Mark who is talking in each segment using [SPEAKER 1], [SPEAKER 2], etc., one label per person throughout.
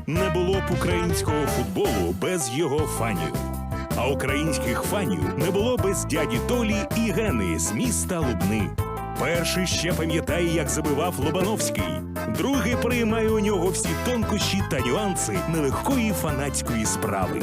[SPEAKER 1] Не було б українського футболу без його фанів. А українських фанів не було без дяді Толі і Гени з міста Лубни. Перший ще пам'ятає, як забивав Лобановський. Другий приймає у нього всі тонкощі та нюанси нелегкої фанатської справи.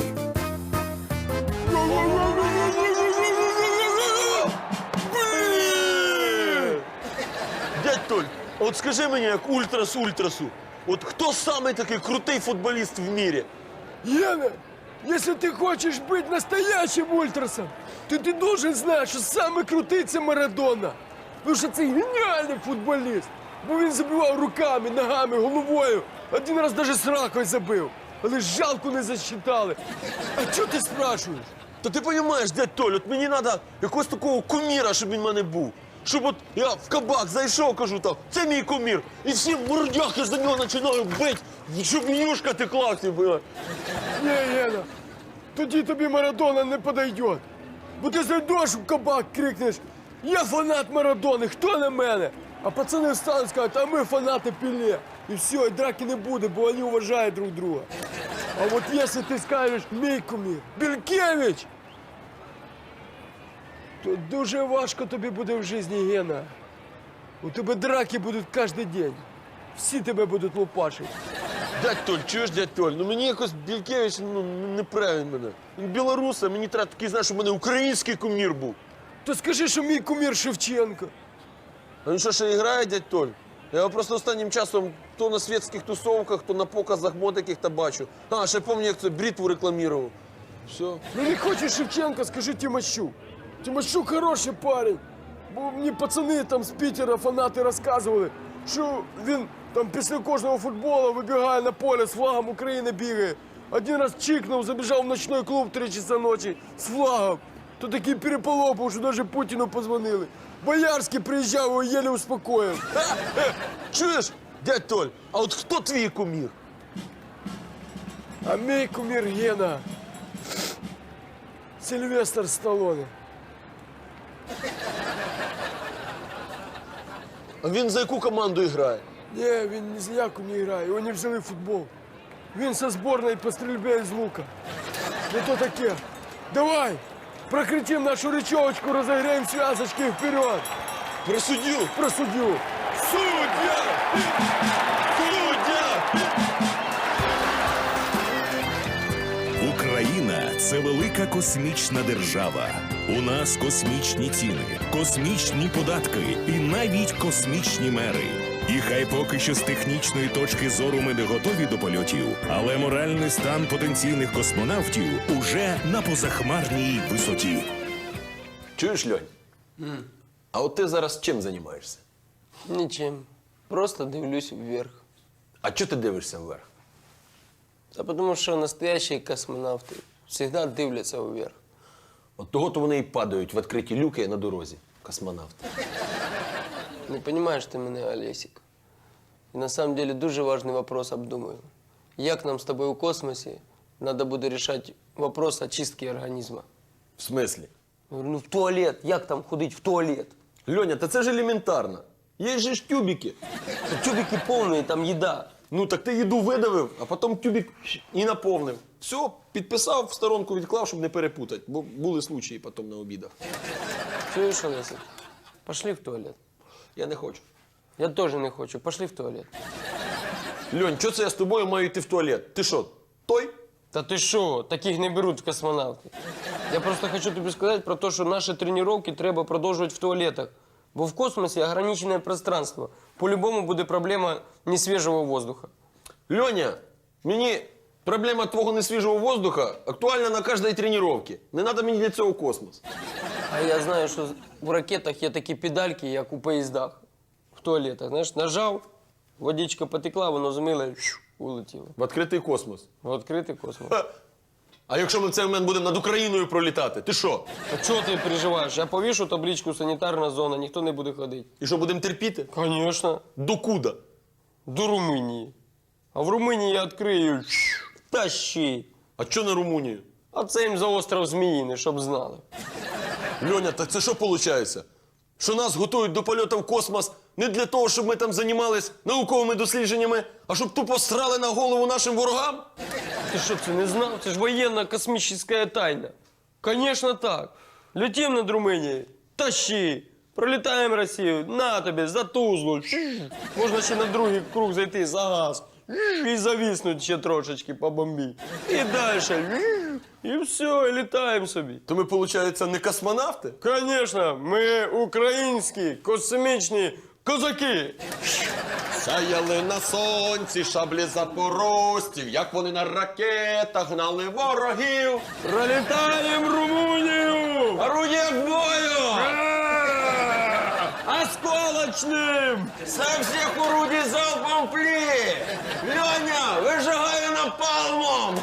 [SPEAKER 2] Дядь Толь, от скажи мені, як ультрас ультрасу, от хто самий такий крутий футболіст в мірі?
[SPEAKER 3] Яна, если ты хочешь быть настоящим ультрасом, то ты должен знать, що самый крутий – це Марадона. Тому що це геніальний футболіст. Бо він забивав руками, ногами, головою. Один раз навіть з ракою забив. Але жалко не засчитали. А чого ти спрашуєш?
[SPEAKER 2] Та ти розумієш, дядь Толь, от мені треба якогось такого куміра, щоб він в мене був. Щоб от я в кабак зайшов, кажу там, це мій кумір. І всі мордяки за нього починають бити, щоб юшка текла всі була.
[SPEAKER 3] Ні, Єна, тоді тобі Марадона не подойде. Бо ти зайдеш в кабак, крикнеш: «Я фанат Марадони, хто на мене?» А пацани встануть, скажуть: «А ми фанати Пеле». І все, і драки не буде, бо вони вважають друг друга. А от якщо ти скажеш: «Мій кумір Бількевич», то дуже важко тобі буде в житті, Гена. У тебе драки будуть кожен день. Всі тебе будуть лупашити.
[SPEAKER 2] Дядь Толь, чуєш, дядь Толь, ну мені якось Бількевич, не правильно мене. Він білорус, а мені треба такий, знаєш, щоб у мене український кумір був.
[SPEAKER 3] То скажи, що мій кумір Шевченко.
[SPEAKER 2] А він що, ще грає, дядь Толь? Я його просто останнім часом то на світських тусовках, то на показах мод яких-то бачу. А, ще пам'ятаю, як це бритву рекламував. Все.
[SPEAKER 3] Ну не хочеш Шевченка, скажи Тимощук. Тимощук хороший парень. Бо мені пацани там з Пітера, фанати розказували, що він там після кожного футболу вибігає на поле з флагом України бігає. Один раз чикнув, забіжав в ночной клуб 3 часа ночі з флагом. То такий переполох був, що навіть Путіну позвонили. Боярський приїжджав, його єле успокоїв.
[SPEAKER 2] Чуєш, дядь Толь, а от хто твій кумір?
[SPEAKER 3] А мій кумір Гена Сильвестр Сталлоне.
[SPEAKER 2] А він за яку команду грає?
[SPEAKER 3] Ні, він ні з яку не грає, його не взяли в футбол. Він со зборної по стрільбі з лука. Ну то таке. Давай, прокричим нашу речовочку, розіграємо зв'язочки вперед.
[SPEAKER 2] Про суддю!
[SPEAKER 3] Про суддю.
[SPEAKER 2] Суддя! Суддя!
[SPEAKER 1] Україна – це велика космічна держава. У нас космічні ціни, космічні податки і навіть космічні мери. І хай поки що з технічної точки зору ми не готові до польотів, але моральний стан потенційних космонавтів уже на позахмарній висоті.
[SPEAKER 2] Чуєш, Льонь? А от ти зараз чим займаєшся?
[SPEAKER 4] Ничем. Просто дивлюсь вверх.
[SPEAKER 2] А чого ти дивишся вверх?
[SPEAKER 4] Да потому что настоящие космонавты всегда дивляться вверх.
[SPEAKER 2] От того-то вони і падають в відкриті люки на дорозі, космонавти.
[SPEAKER 4] Не понимаешь ты меня, Олесик. И на самом деле дуже важный вопрос обдумаю. Як нам с тобой у космосе надо буде решать вопрос очистки организма?
[SPEAKER 2] В смислі?
[SPEAKER 4] Я говорю, ну в туалет. Як там ходить в туалет?
[SPEAKER 2] Льоня, та це ж елементарно. Є ж тюбики.
[SPEAKER 4] Тут тюбики полные, там еда.
[SPEAKER 2] Ну так ти їду видавив, а потім тюбик і наповнив. Все, підписав, в сторонку відклав, щоб не перепутати. Бо були случаї потім на обідах.
[SPEAKER 4] Чуешь, Олесик? Пошли в туалет.
[SPEAKER 2] Я не хочу.
[SPEAKER 4] Я тоже не хочу. Пошли в туалет.
[SPEAKER 2] Льонь, чого це я з тобою маю йти в туалет? Ти що, той?
[SPEAKER 4] Та ти що, таких не беруть в космонавти. Я просто хочу тобі сказати про те, що наші тренування треба продовжувати в туалетах. Бо в космосі ограничене пространство. По-любому буде проблема несвіжого воздуха.
[SPEAKER 2] Льоня, мені проблема твого несвіжого воздуха актуальна на кожній тренувці. Не треба мені для цього космос.
[SPEAKER 4] А я знаю, що в ракетах є такі педальки, як у поїздах. В туалетах, знаєш, нажав, водичка потекла, воно змило і улетіло.
[SPEAKER 2] В відкритий космос.
[SPEAKER 4] В відкритий космос.
[SPEAKER 2] А якщо ми в цей момент будемо над Україною пролітати, ти що?
[SPEAKER 4] А чого ти переживаєш? Я повішу табличку «Санітарна зона», ніхто не буде ходити.
[SPEAKER 2] І що, будемо терпіти?
[SPEAKER 4] Звісно.
[SPEAKER 2] Докуда?
[SPEAKER 4] До Румунії. А в Румунії я відкрию тащи.
[SPEAKER 2] А що на Румунію?
[SPEAKER 4] А це їм за остров Зміїний, щоб знали.
[SPEAKER 2] Льоня, так це що виходить? Що нас готують до польоту в космос Не для того, щоб ми там займались науковими дослідженнями, а щоб тупо срали на голову нашим ворогам?
[SPEAKER 4] Ты что, ты не знал? Это же военно-космическая тайна. Конечно так. Летим над Румынией, тащи. Пролетаем Россию, на тобі, за Тузлу. Можна ще на другий круг зайти за газ. І зависнуть ще трошечки по бомбі. І далі. І все, і літаємо собі.
[SPEAKER 2] То ми, виходить, не космонавти?
[SPEAKER 4] Конечно, ми українські космічні козаки.
[SPEAKER 2] Сяяли на сонці шаблі запорожців, як вони на ракетах гнали ворогів.
[SPEAKER 4] Пролітаємо Румунію!
[SPEAKER 2] Орудие к бою!
[SPEAKER 4] Осколочним!
[SPEAKER 2] Со всех орудий залпом пли! Леня, выжигаю напалмом!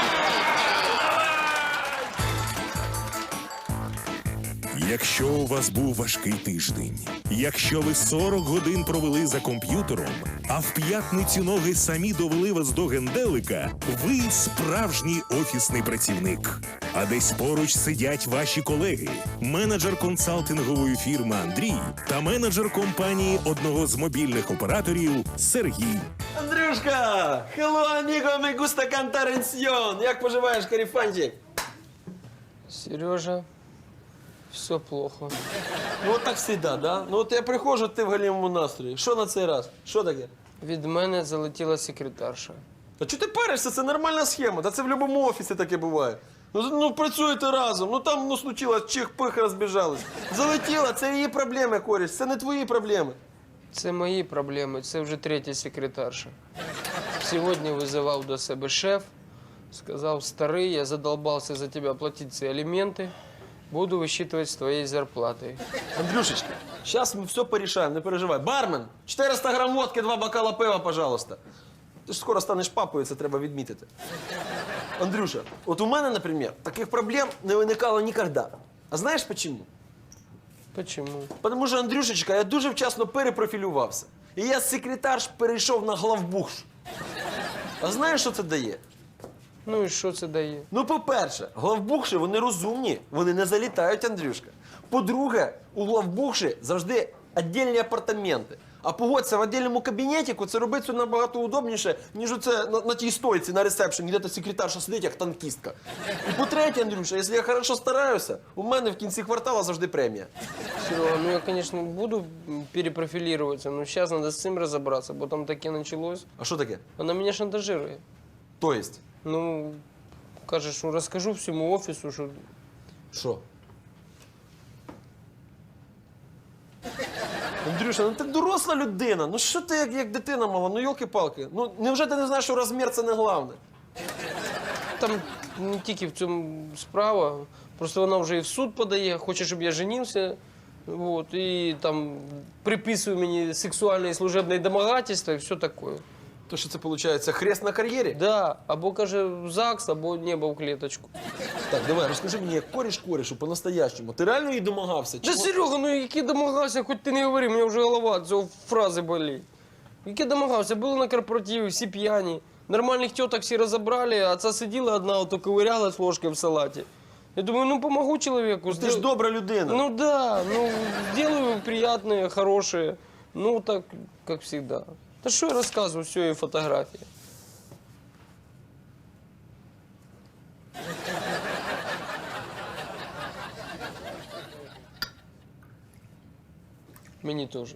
[SPEAKER 1] Якщо у вас був важкий тиждень, якщо ви 40 годин провели за комп'ютером, а в п'ятницю ноги самі довели вас до генделика, ви справжній офісний працівник. А десь поруч сидять ваші колеги, менеджер консалтингової фірми Андрій та менеджер компанії одного з мобільних операторів Сергій.
[SPEAKER 2] Андрюшка! Hello, amigo, me gusta cantar en Sion. Як поживаєш, карифанчик?
[SPEAKER 4] Сережа, все плохо.
[SPEAKER 2] Ну, от так всегда, да? Ну, от я приходжу, ти в галімому настрої. Що на цей раз? Що таке?
[SPEAKER 4] Від мене залетіла секретарша.
[SPEAKER 2] А чого ти паришся? Це нормальна схема. Та це в будь-якому офісі таке буває. Ну, працюєте разом. Ну, там, случилось, чих-пих, розбіжались. Залетіла, це її проблеми, коріш. Це не твої проблеми.
[SPEAKER 4] Це мої проблеми, це вже третя секретарша. Сьогодні визивав до себе шеф, сказав: старий, я задолбався за тебе платити ці аліменти, буду висчитувати з твоєї зарплати.
[SPEAKER 2] Андрюшечка, сейчас мы все порешаем, не переживай. Бармен, 400 грам водки, 2 бокала пива, пожалуйста. Ти ж скоро станеш папою, це треба відмітити. Андрюша, от у мене, наприклад, таких проблем не виникало ніколи. А знаєш чому?
[SPEAKER 4] Почему?
[SPEAKER 2] Тому що, Андрюшечка, я дуже вчасно перепрофілювався. І я з секретарш перейшов на главбухш. А знаєш, що це дає?
[SPEAKER 4] Ну і що це дає?
[SPEAKER 2] Ну, по-перше, главбухші, вони розумні, вони не залітають, Андрюшка. По-друге, у главбухші завжди віддільні апартаменти. А погодься, в віддільному кабінетику це робиться набагато удобніше, ніж оце на тій стойці, на ресепшені, де та секретарша сидить, як танкістка. І по-третє, Андрюша, якщо я хорошо стараюся, у мене в кінці квартала завжди премія.
[SPEAKER 4] Серега, ну я, конечно, буду перепрофилироваться, но сейчас надо с цим разобраться, бо там таке началось.
[SPEAKER 2] А що таке?
[SPEAKER 4] Она меня шантажирует.
[SPEAKER 2] То есть?
[SPEAKER 4] Ну, каже, що розкажу всьому офісу, що...
[SPEAKER 2] Що? Андрюша, ну ти доросла людина. Ну що ти як дитина мала? Ну йолки-палки. Ну невже ти не знаєш, що розмір це не головне?
[SPEAKER 4] Там не тільки в цьому справа, просто вона вже і в суд подає, хоче, щоб я женився. Вот, і там приписує мені сексуальне і служебне домагательство і все таке.
[SPEAKER 2] То що це виходить хрест на кар'єрі?
[SPEAKER 4] Да, або каже в ЗАГС, або небо в клеточку.
[SPEAKER 2] Так, давай, розкажи мені, як коріш корішу по-настоящему. Ти реально їй домагався?
[SPEAKER 4] Да, Серега, ну який домагався, хоч ти не говори, мені вже голова від цього фрази болить. Який домагався, були на корпоративі, всі п'яні. Нормальних теток всі розібрали, а ця сиділа одна, ото ковирялась ложкою в салаті. Я думаю, ну помогу человеку.
[SPEAKER 2] Ти ж добра людина.
[SPEAKER 4] Ну да, ну сделаю приятное, хорошее. Ну так, как всегда. Да что я рассказываю, все и фотографии. Мені тоже.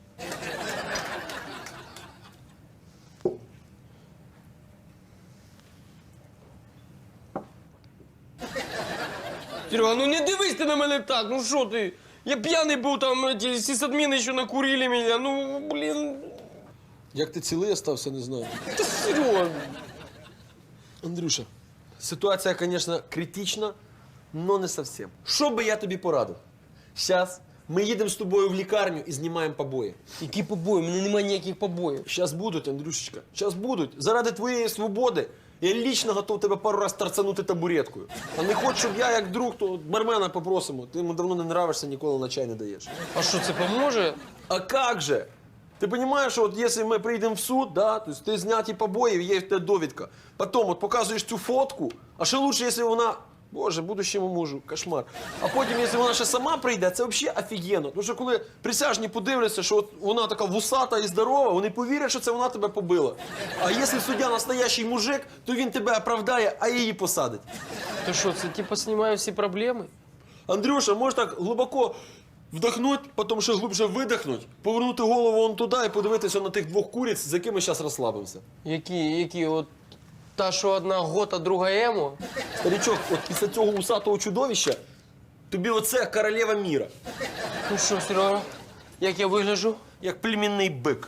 [SPEAKER 4] Серега, ну не дивись ти на мене так, ну що ти? Я п'яний був, там ті сисадміни ще накурили мене, ну, блін.
[SPEAKER 2] Як ти цілий остався, не знаю.
[SPEAKER 4] Та Серега.
[SPEAKER 2] Андрюша, ситуація, звісно, критична, але не зовсім. Що би я тобі порадив? Зараз ми їдемо з тобою в лікарню і знімаємо побої.
[SPEAKER 4] Які побої? У мене немає ніяких побоїв.
[SPEAKER 2] Зараз будуть, Андрюшечка, зараз будуть. Заради твоєї свободи я лічно готов тебе пару раз торцанути табуреткою. А не хочеш, щоб я, як друг, то бармена попросимо. Ти йому давно не нравишся, ніколи на чай не даєш.
[SPEAKER 4] А що, це поможе?
[SPEAKER 2] А как же? Ты понимаешь, что вот если мы приедем в суд, да, то есть ты зняті побоїв, є в тебе довідка. Потом вот показуєш цю фотку, а ще лучше, якщо вона Боже, будущому мужу, кошмар. А потім, якщо вона ще сама прийде, це взагалі офігенно. Тому що коли присяжні подивляться, що от вона така вусата і здорова, вони повірять, що це вона тебе побила. А якщо суддя настоящий мужик, то він тебе оправдає, а її посадить.
[SPEAKER 4] Ти що, це типа знімає всі проблеми?
[SPEAKER 2] Андрюша, можеш так глибоко вдохнути, потім ще глибше видихнути, повернути голову вон туди і подивитися на тих двох куриць, з якими зараз розслабимося.
[SPEAKER 4] Які, от та, що одна гота, друга емо?
[SPEAKER 2] Старичок, от після цього усатого чудовища тобі оце королева міра.
[SPEAKER 4] Ну що, Серега, як я вигляджу?
[SPEAKER 2] Як племінний бик.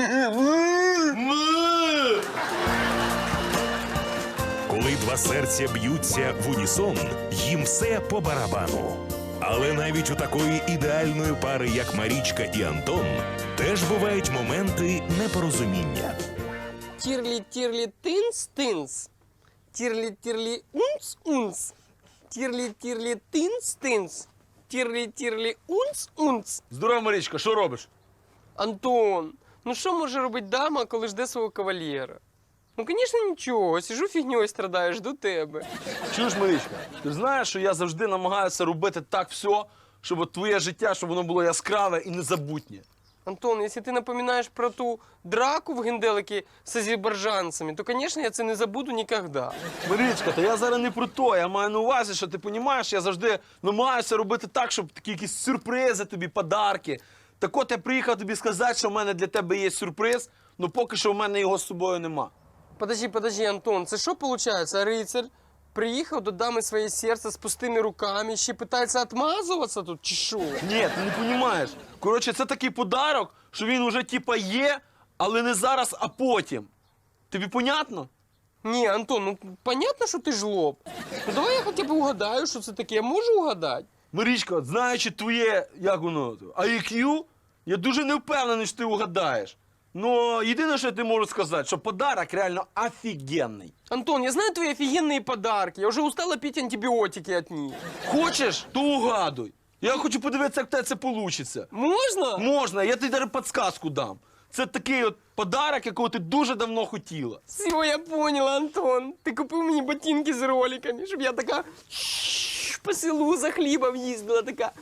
[SPEAKER 1] Коли два серця б'ються в унісон, їм все по барабану. Але навіть у такої ідеальної пари, як Марічка і Антон, теж бувають моменти непорозуміння.
[SPEAKER 4] Тірлі-тірлі тинс-тинс. Тірлі-тірлі унц-унц. Тірлі-тірлі тинс-тинс. Тірлі-тірлі унц-унц.
[SPEAKER 2] Здорово, Марічка, що робиш?
[SPEAKER 4] Антон, ну що може робити дама, коли жде свого кавалєра? Ну, звісно, нічого. Сижу фігньою страдаю, жду тебе.
[SPEAKER 5] Чуєш, Марічка, ти знаєш, що я завжди намагаюся робити так все, щоб от твоє життя, щоб воно було яскраве і незабутнє.
[SPEAKER 4] Антон, якщо ти напоминаєш про ту драку в генделикі з азербайджанцями, то, звісно, я це не забуду ніколи.
[SPEAKER 5] Марічка, та я зараз не про то. Я маю на увазі, що ти розумієш, я завжди намагаюся робити так, щоб такі якісь сюрпризи тобі, подарки. Так от я приїхав тобі сказати, що в мене для тебе є сюрприз, але поки що в мене його з собою нема.
[SPEAKER 4] Подожди, Антон, це що виходить? Рицар приїхав до дами своє серце з пустими руками, ще питається відмазуватися тут, чи що?
[SPEAKER 5] Ні, ти не розумієш. Коротше, це такий подарок, що він уже типа є, але не зараз, а потім. Тобі понятно?
[SPEAKER 4] Ні, Антон, ну понятно, що ти жлоб. Ну давай я хоча б угадаю, що це таке. Я можу угадати?
[SPEAKER 5] Марічка, от знаючи твоє, як воно, IQ, я дуже не впевнений, що ти угадаєш. Но єдине, що я тобі можу сказати, що подарок реально офігенний.
[SPEAKER 4] Антон, я знаю твої офігенні подарки. Я вже устала пити антибіотики від них.
[SPEAKER 5] Хочеш, то угадуй. Я хочу подивитися, як в тебе це вийде.
[SPEAKER 4] Можна?
[SPEAKER 5] Можна, я тобі навіть підсказку дам. Це такий от подарок, якого ти дуже давно хотіла.
[SPEAKER 4] Все, я поняла, Антон. Ти купив мені ботинки з роликами, щоб я така по селу за хлібом їздила, така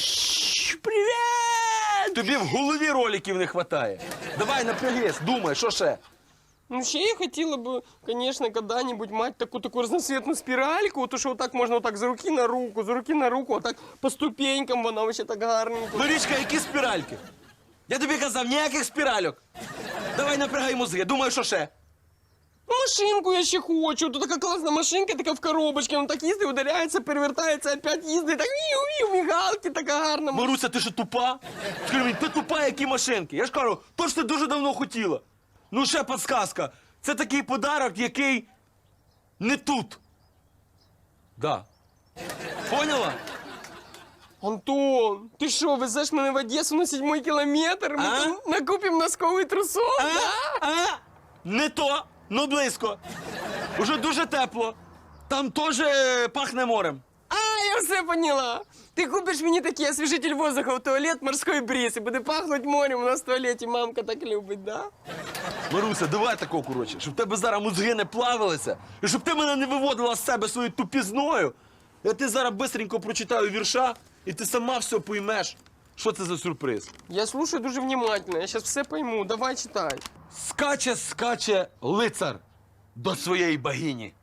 [SPEAKER 4] привіт!
[SPEAKER 5] Тобі в голові роликів не вистачає. Давай напрягись, думай, що ще?
[SPEAKER 4] Ну, ще я хотіла б, звісно, коли-небудь мати таку разноцветну спіральку, то що отак можна отак з руки на руку, отак по ступенькам вона вообще так гарненько.
[SPEAKER 5] Марічка, які спіральки? Я тобі казав, ніяких спіральок. Давай напрягай мозги, думай, що ще?
[SPEAKER 4] Ну, машинку я ще хочу. Тут така класна машинка, така в коробочці, вона так їздить, ударяється, перевертається, опять їздить, так вів-вів, мігалки, така гарна.
[SPEAKER 5] Маруся, ти що тупа? Скажи мені, ти тупа, які машинки? Я ж кажу, то ж ти дуже давно хотіла. Ну, ще підсказка. Це такий подарок, який не тут. Да. Поняла?
[SPEAKER 4] Антон, ти що, везеш мене в Одесу на 7-й кілометр? Ми
[SPEAKER 5] А?
[SPEAKER 4] там накупимо носковий трусов, да?
[SPEAKER 5] Не то, но близько. Уже дуже тепло. Там теж пахне морем.
[SPEAKER 4] А, я все поняла. Ти купиш мені такий освіжитель воздуха в туалет, морський бриз, і буде пахнути морем у нас в туалеті. Мамка так любить, да?
[SPEAKER 5] Маруся, давай такого, коротше, щоб в тебе зараз мозги не плавилися, і щоб ти мене не виводила з себе своєю тупізною. Я ти зараз бистренько прочитаю вірша, і ти сама все поймеш, що це за сюрприз.
[SPEAKER 4] Я слушаю дуже внимательно, я зараз все пойму. Давай читай.
[SPEAKER 5] Скаче лицар до своєї богині.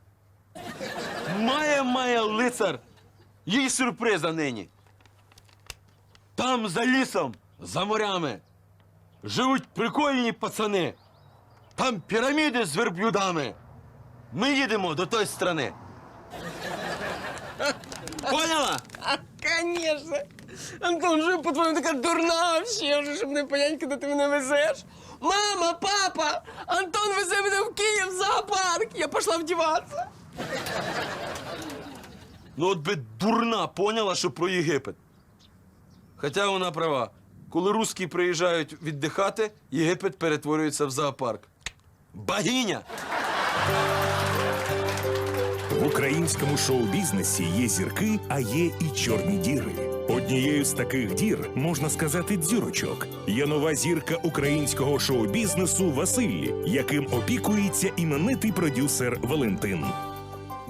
[SPEAKER 5] Має лицар їй сюрприза нині. Там за лісом, за морями живуть прикольні пацани. Там піраміди з верблюдами. Ми їдемо до тої страни. Поняла?
[SPEAKER 4] Конечно. Антон, що по-твоєму така дурна вообще, вже, щоб не понять, куди ти мене везеш? Мама, папа, Антон везе мене в Київ в зоопарк. Я пішла вдіватися.
[SPEAKER 5] Ну от би дурна поняла, що про Єгипет. Хоча вона права. Коли русські приїжджають віддихати, Єгипет перетворюється в зоопарк. Богиня!
[SPEAKER 1] В українському шоу-бізнесі є зірки, а є і чорні діри. Однією з таких дір, можна сказати, дзюрочок, є нова зірка українського шоу-бізнесу Василь, яким опікується іменитий продюсер Валентин.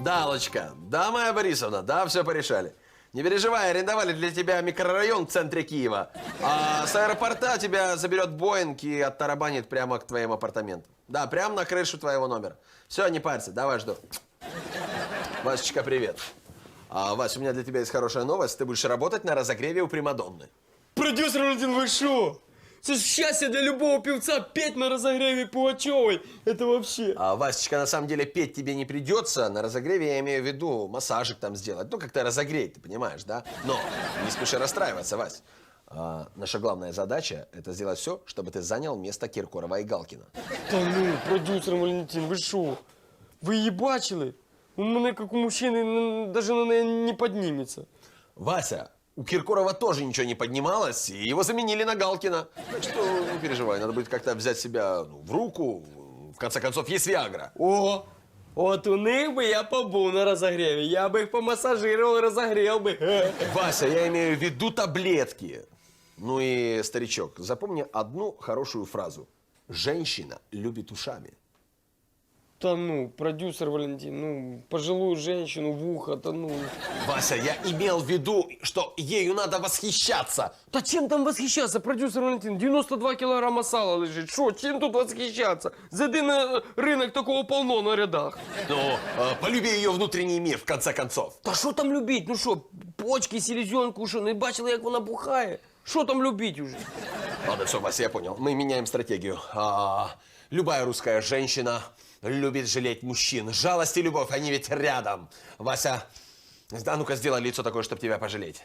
[SPEAKER 2] Да, Аллочка, да, Майя Борисовна, да, все порешали. Не переживай, арендовали для тебя микрорайон в центре Киева. А с аэропорта тебя заберет Боинг и оттарабанит прямо к твоим апартаментам. Да, прямо на крышу твоего номера. Все, не парься, давай жду. Васечка, привет. Вась, у меня для тебя есть хорошая новость. Ты будешь работать на разогреве у Примадонны.
[SPEAKER 4] Продюсер Валентин, вы шо? Это ж счастье для любого певца петь на разогреве Пугачевой. Это вообще.
[SPEAKER 2] Васечка, на самом деле петь тебе не придется. На разогреве я имею в виду массажик там сделать. Ну, как-то разогреть, ты понимаешь, да? Но не спеши расстраиваться, Вась. Наша главная задача – это сделать все, чтобы ты занял место Киркорова и Галкина.
[SPEAKER 4] Та ну, продюсер Валентин, ви що? Ви її бачили? У мене, як у мужчини, навіть на неї не підніметься.
[SPEAKER 2] Вася, у Киркорова тоже ничего не поднималось, и его заменили на Галкина. Так что не переживай, надо будет как-то взять себя в руку. В конце концов, есть Виагра.
[SPEAKER 4] О, от у них би я побув на розогріві. Я би їх помасажирував і розогрів би.
[SPEAKER 2] Вася, я имею в виду таблетки. Ну и, старичок, запомни одну хорошую фразу. Женщина любит ушами.
[SPEAKER 4] Та ну, продюсер Валентин, ну, пожилую женщину в ухо, та ну.
[SPEAKER 2] Вася, я имел в виду, что ею надо восхищаться.
[SPEAKER 4] Та чим там восхищаться, продюсер Валентин? 92 кілограма сала лежить. Що, чим тут восхищаться? Зайди на ринок, такого полно на рядах.
[SPEAKER 2] Ну, полюби ее внутренний мир, в конце концов.
[SPEAKER 4] Та що там любить? Ну що, почки, селезенку, що, не бачили, як вона бухає? Що там любить уже?
[SPEAKER 2] Ладно, все, Вася, я понял. Мы меняем стратегию. Любая русская женщина любит жалеть мужчин. Жалость и любовь, они ведь рядом. Вася, а ну-ка сделай лицо такое, чтобы тебя пожалеть.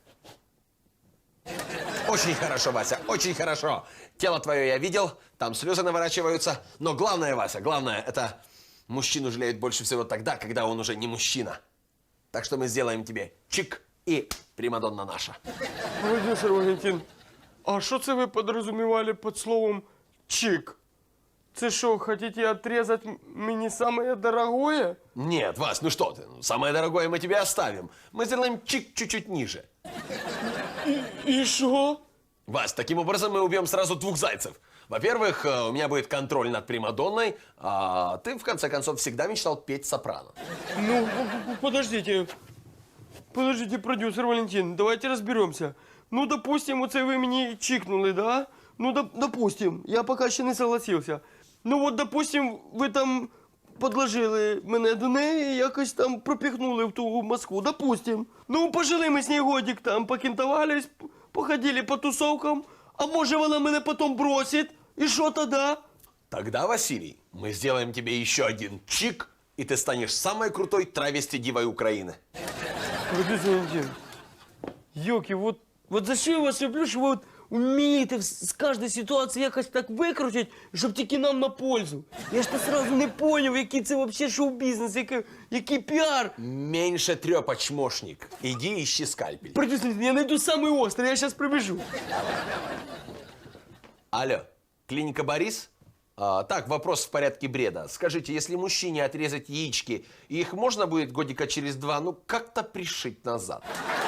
[SPEAKER 2] Очень хорошо, Вася, очень хорошо. Тело твое я видел, там слезы наворачиваются. Но главное, Вася, главное, это мужчину жалеют больше всего тогда, когда он уже не мужчина. Так что мы сделаем тебе чик и Примадонна наша.
[SPEAKER 4] Продюсер Валентин, а що це ви підрозумівали під словом «чик»? Це що, хотите отрезать мені самое дорогое?
[SPEAKER 2] Нет, Вась, ну что ты, самое дорогое мы тебе оставим. Мы сделаем чик чуть-чуть ниже.
[SPEAKER 4] І що?
[SPEAKER 2] Вась, таким образом мы убьем сразу двух зайцев. Во-первых, у меня будет контроль над Примадонной, а ты, в конце концов, всегда мечтал петь сопрано.
[SPEAKER 4] Ну, подождите. Подождите, продюсер Валентин, давайте разберемся. Ну, допустим, оце ви мені чикнули, да? Ну, допустим, я поки ще не согласився. Ну, от, допустим, ви там подложили мене до неї, якось там пропихнули в ту Москву, допустим. Ну, пожили ми з нею годик там, покентовались, походили по тусовкам, а може вона мене потім бросить, і що тоді?
[SPEAKER 2] Тогда, Василий, мы сделаем тебе еще один чик, и ты станешь самой крутой травести-дивой Украины.
[SPEAKER 4] Продюсер Валентин, йоки, вот за що я вас люблю, що ви вмієте з кожної ситуації якось так викрутити, щоб тільки нам на пользу. Я ж то сразу не поняв, який це взагалі шоу-бізнес, який піар.
[SPEAKER 2] Меньше трёпа, чмошник. Иди ищи скальпель.
[SPEAKER 4] Продюсер Валентин, я найду самый острый, я сейчас пробежу.
[SPEAKER 2] Алло, клиника Борис? Так, вопрос в порядке бреда. Скажите, если мужчине отрезать яички, их можно будет годика через 2, ну, как-то пришить назад?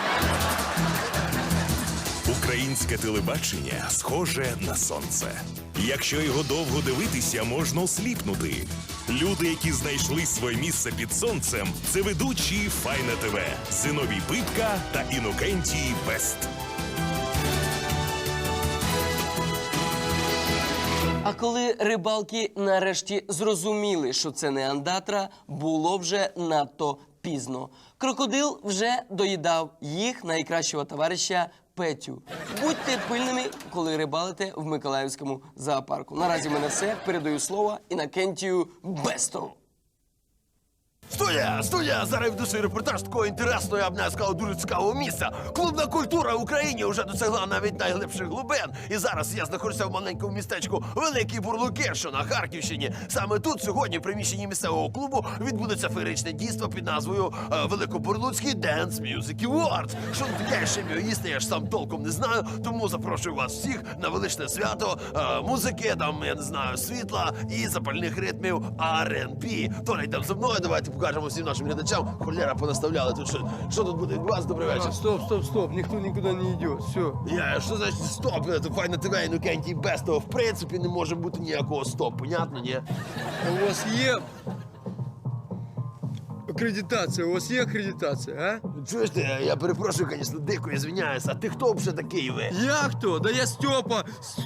[SPEAKER 1] Українське телебачення схоже на сонце. Якщо його довго дивитися, можна осліпнути. Люди, які знайшли своє місце під сонцем, це ведучі Файна ТВ, Зиновій Пипка та Інокентій Бест.
[SPEAKER 4] А коли рибалки нарешті зрозуміли, що це не андатра, було вже надто пізно. Крокодил вже доїдав їх найкращого товариша Петю. Будьте пильними, коли рибалите в Миколаївському зоопарку. Наразі в мене все. Передаю слово Інокентію Бесту.
[SPEAKER 6] Студія! Зараз я веду свій репортаж з такого інтересного, я б не сказав, дуже цікавого місця. Клубна культура в Україні вже досягла навіть найглибших глибин. І зараз я знаходжуся в маленькому містечку Великі Бурлуки, що на Харківщині. Саме тут сьогодні в приміщенні місцевого клубу відбудеться феєричне дійство під назвою Великобурлуцький Dance Music Awards. Що тут таке, ще мені їсти, я ж сам толком не знаю, тому запрошую вас всіх на величне свято музики, там, я не знаю, світла і запальних ритмів R&B. Толя, йдемо за мною, давайте покажемо всім нашим глядачам. Холера понаставляли тут. Що тут буде відбуватися? Добрий вечір.
[SPEAKER 4] Стоп, ніхто нікуди не йде, все.
[SPEAKER 6] Що значить стоп? Це Файна ТВ, Інокентій Бестова. В принципі, не може бути ніякого стоп, понятно, ні?
[SPEAKER 4] У вас є
[SPEAKER 3] акредитація. У вас є акредитація, а?
[SPEAKER 6] Чуєш ти, я перепрошую, звісно, дико, я звиняюсь, а ти хто взагалі такий ви?
[SPEAKER 3] Я хто? Да я Степа.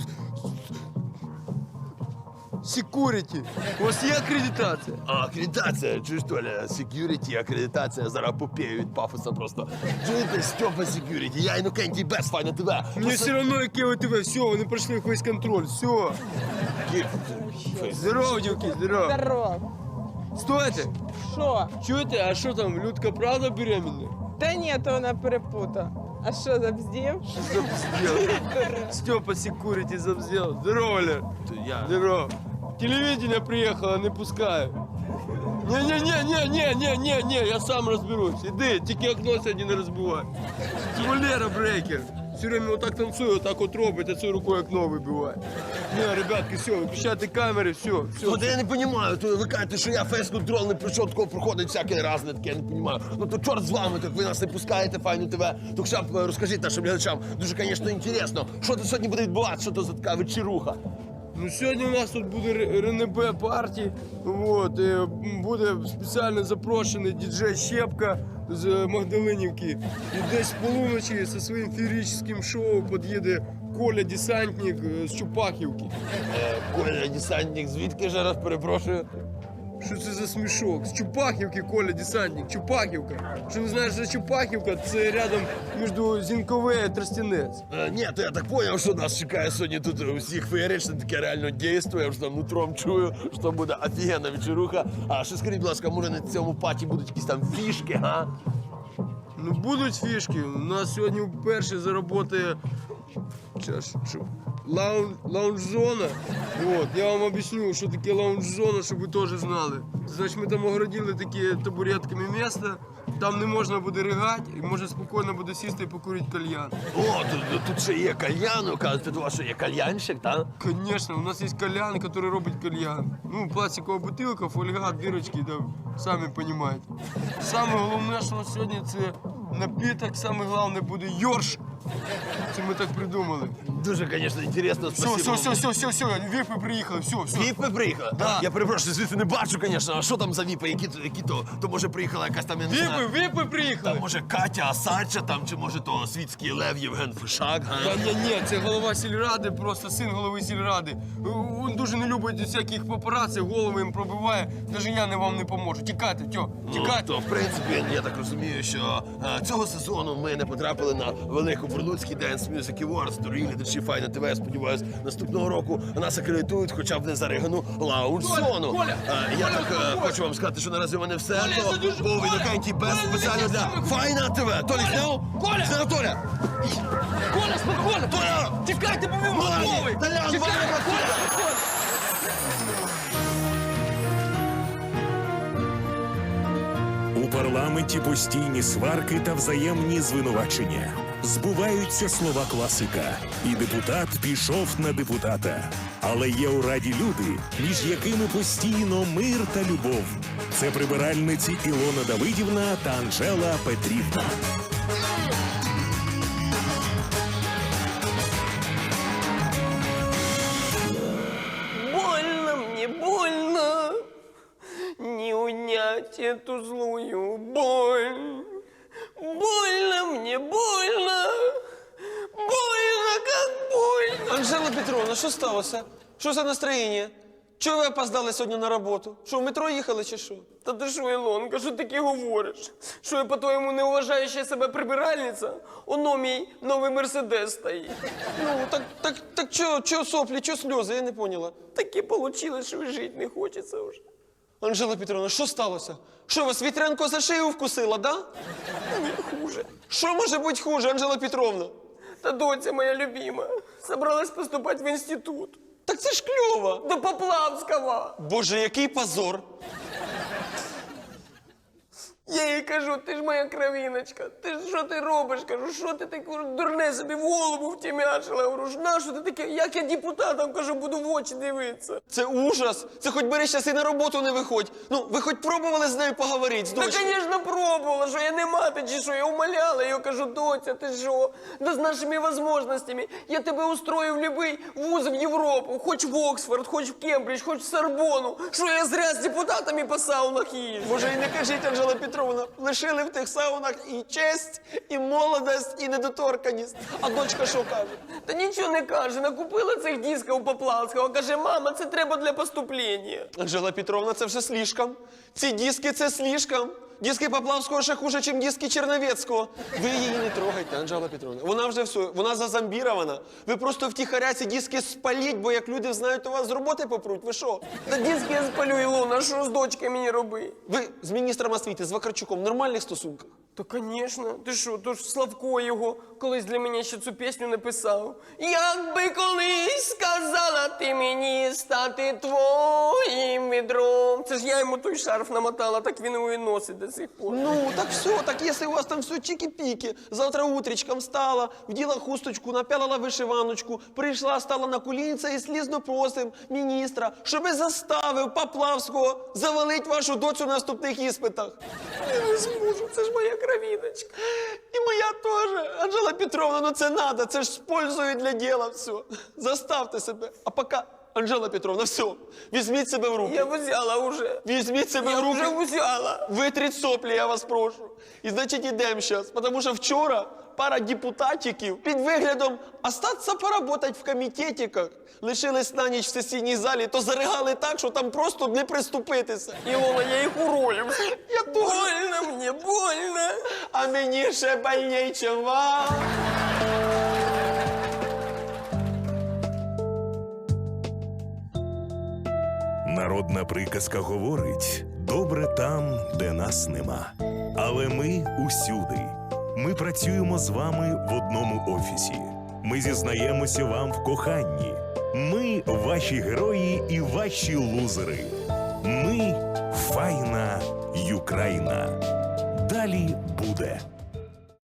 [SPEAKER 3] Security. У вас є акредитація?
[SPEAKER 6] А, акредитація, чуєш, Толя, security, акредитація, зараз попію від пафоса просто. Чуєте, Степа Security, я Інокентій Бес, Файна ТВ.
[SPEAKER 3] Мені все одно, яке ви ТВ, все, вони пройшли весь контроль, все. Здорово, дівки, здорово.
[SPEAKER 7] Здорово.
[SPEAKER 3] Стойте,
[SPEAKER 7] Що?
[SPEAKER 3] чуєте, а що там, Людка правда беременна?
[SPEAKER 7] Та ні, то вона перепута. А що, забздів?
[SPEAKER 3] Забздел. Степа Security забздел. Здорово, Оля.
[SPEAKER 6] Я...
[SPEAKER 3] Здорово. Телевидение приехало, не пускаю. Не, я сам разберусь. Иди, тільки окно сьогодні не розбивай. Це Валера Брейкер. Все время вот так танцує, вот так от робить, а цією рукою окно вибиває. Не, ребятки, все, виключайте камери, все.
[SPEAKER 6] Ну, то я не розумію, то ви кажете, що я фейс-контрол не пройшов, такого проходить всякий раз, не таке, я не розумію. Ну то чорт з вами, так ви нас не пускаєте, Файну ТВ. То хоча б розкажіть нашим глядачам, дуже, звісно, інтересно, що тут сьогодні буде відбуватися, що то за така вечеруха.
[SPEAKER 3] Ну, сьогодні у нас тут буде РНБ парті, вот, і буде спеціально запрошений діджей Щепка з Магдалинівки. І десь в полуночі зі своїм феєричним шоу під'їде Коля Десантник з Чупахівки.
[SPEAKER 6] Коля, десантник, звідки ж раз перепрошую?
[SPEAKER 3] Що це за смішок? З Чупахівки, Коля Десантник, Чупахівка. Що не знаєш, що Чупахівка? Це рядом між Зінькове і Тростянець.
[SPEAKER 6] Ні, то я так зрозумів, що нас чекає сьогодні тут усіх феєрично таке реально дійство, я вже там нутром чую, що буде офігенна вечеруха. А що скажіть, будь ласка, може на цьому паті будуть якісь там фішки, га?
[SPEAKER 3] Ну, будуть фішки. У нас сьогодні вперше заработає лаунж-зона. Вот. Я вам объясню, що таке лаунж-зона, щоб ви теж знали. Значить, ми там огородили такі табуретками місце, там не можна буде ригати, і можна спокійно буде сісти і покурити кальян.
[SPEAKER 6] О, тут ще є кальян, кажете, у вас що є кальянщик, так?
[SPEAKER 3] Конечно, у нас є кальян, який робить кальян. Ну, пластикова бутилка, фольга, дирочки, там, самі розумієте. Саме головне, що на сьогодні це напиток, саме головне буде йорш. Це ми так придумали.
[SPEAKER 6] Дуже, звісно, інтересно, спасибо.
[SPEAKER 3] Все, віпи приїхали, все.
[SPEAKER 6] Віпи приїхали?
[SPEAKER 3] Да.
[SPEAKER 6] Я перепрошую, звідси не бачу, звісно, а що там за віпи, які то може приїхала якась там, я не знаю.
[SPEAKER 3] Віпи приїхали.
[SPEAKER 6] Там, може, Катя Асадча, там, чи може то світський лев Євген Фишак, га?
[SPEAKER 3] Ні, це голова сільради, просто син голови сільради. Він дуже не любить всяких папараці, голови їм пробиває. Навіть я вам не поможу. Тікайте, тікайте.
[SPEAKER 6] То, в принципі, я так розумію, що цього сезону ми не потрапили на велику Бурлуцький Dance Music Awards. Дорогі глядачі Файна ТВ, я сподіваюся, наступного року нас акредитують хоча б не за Ригану лаунж-зону.
[SPEAKER 3] Коля,
[SPEAKER 6] Я так хочу вам сказати, що наразі у мене все. То був Інокентій Бес спеціально для Файна ТВ. Толі зняв?
[SPEAKER 3] Коля!
[SPEAKER 6] Зняв Толя!
[SPEAKER 3] Коля, спокійно!
[SPEAKER 6] Толя!
[SPEAKER 3] Тікайте, бо він готовий!
[SPEAKER 6] Толян,
[SPEAKER 3] Тікайте, Коля!
[SPEAKER 1] У парламенті постійні сварки та взаємні звинувачення. Збуваються слова класика. І депутат пішов на депутата. Але є у раді люди, між якими постійно мир та любов. Це прибиральниці Ілона Давидівна та Анжела Петрівна.
[SPEAKER 4] Больно мне, больно не унять эту злую боль. Больно мне, больно, больно, как больно.
[SPEAKER 2] Анжела Петровна, що сталося? Що за настроєння? Чого ви опоздали сьогодні на роботу? Що, в метро їхали чи що?
[SPEAKER 4] Та ти що, Ілонка, що таке говориш? Що я, по-твоєму, не уважаюча себе прибиральниця? Оно мій новий Мерседес стоїть.
[SPEAKER 2] Ну, так чого соплі, чого сльози, я не поняла.
[SPEAKER 4] Таке вийшло, що жити не хочеться вже.
[SPEAKER 2] Анжела Петровна, що сталося? Що, вас вітрянко за шию вкусила, да?
[SPEAKER 4] Ні, хуже.
[SPEAKER 2] Що може бути хуже, Анжела Петровна?
[SPEAKER 4] Та доця моя любима собралась поступати в інститут.
[SPEAKER 2] Так це ж кльово.
[SPEAKER 4] До Поплавського.
[SPEAKER 2] Боже, який позор.
[SPEAKER 4] Я їй кажу, ти ж моя кровіночка. Що ти робиш? Кажу, що ти таке дурне собі в голову втімячила? Говорю, нащо ти таке? Як я депутатам, кажу, буду в очі дивитися?
[SPEAKER 2] Це ужас. Це хоч бери щас і на роботу не виходь. Ну, ви хоч пробували з нею поговорити, з
[SPEAKER 4] Та,
[SPEAKER 2] дочкою?
[SPEAKER 4] звісно, пробувала, що я не мати чи що, я умоляла її, кажу, доця, ти що? Да з нашими можливостями я тебе устрою в будь-який вуз в Європу, хоч в Оксфорд, хоч в Кембридж, хоч в Сорбону. Що я зря з депутатами по саунах їжджу?
[SPEAKER 2] Може, і не кажіть, Анжела Петровна, лишили в тих саунах і честь, і молодость, і недоторканість. А дочка що каже?
[SPEAKER 4] Та нічого не каже, накупила цих дисків у Поплавського, каже, мама, це треба для поступлення.
[SPEAKER 2] Анжела Петровна, це вже слишком. Ці диски – це слишком. Диски Поплавського ще хуже, ніж диски Черновецького. Ви її не трогайте, Анжела Петровна. Вона вже все, вона зазомбірована. Ви просто втіхаря ці диски спаліть, бо як люди знають, у вас з роботи попруть. Ви що?
[SPEAKER 4] Та диски я спалю, Ілона, що з дочкою мені роби?
[SPEAKER 2] Ви з міністром освіти, з Вакарчуком в нормальних стосунках?
[SPEAKER 4] Та, звісно. Ти що, то ж Славко його колись для мене ще цю пісню написав. Якби колись сказала ти мені стати твоїм відром. Це ж я йому той шарф намотала, так він його і носить до сих пор.
[SPEAKER 2] Ну, так все, так если у вас там все чики-пики, завтра утречком встала, вділа хусточку, напялила вишиваночку, прийшла, стала на колінця і слізно просим міністра, щоби заставив Поплавського завалить вашу доцю на наступних іспитах.
[SPEAKER 4] Я не зможу, це ж моя кровіночка.
[SPEAKER 2] І моя теж. Анжела Петровна, ну це надо, це ж з пользою для діла все. Заставте себе. А поки, Анжела Петровна, все, візьміть себе в руки.
[SPEAKER 4] Я взяла уже.
[SPEAKER 2] Візьміть себе
[SPEAKER 4] Я
[SPEAKER 2] в руки.
[SPEAKER 4] вже взяла.
[SPEAKER 2] Витріть соплі, я вас прошу. І значить ідемо зараз, тому що вчора пара депутатиків під виглядом остатися поработать в комітетиках лишились на ніч в сесійній залі, то заригали так, що там просто не приступитися.
[SPEAKER 4] Ілона, я їх урою.
[SPEAKER 2] Я теж.
[SPEAKER 4] Больно мені, больно.
[SPEAKER 2] А мені ще больней, чим вам.
[SPEAKER 1] Народна приказка говорить: добре там, де нас нема. Але ми усюди. Ми працюємо з вами в одному офісі. Ми зізнаємося вам в коханні. Ми ваші герої і ваші лузери. Ми файна Юкраїна. Далі буде.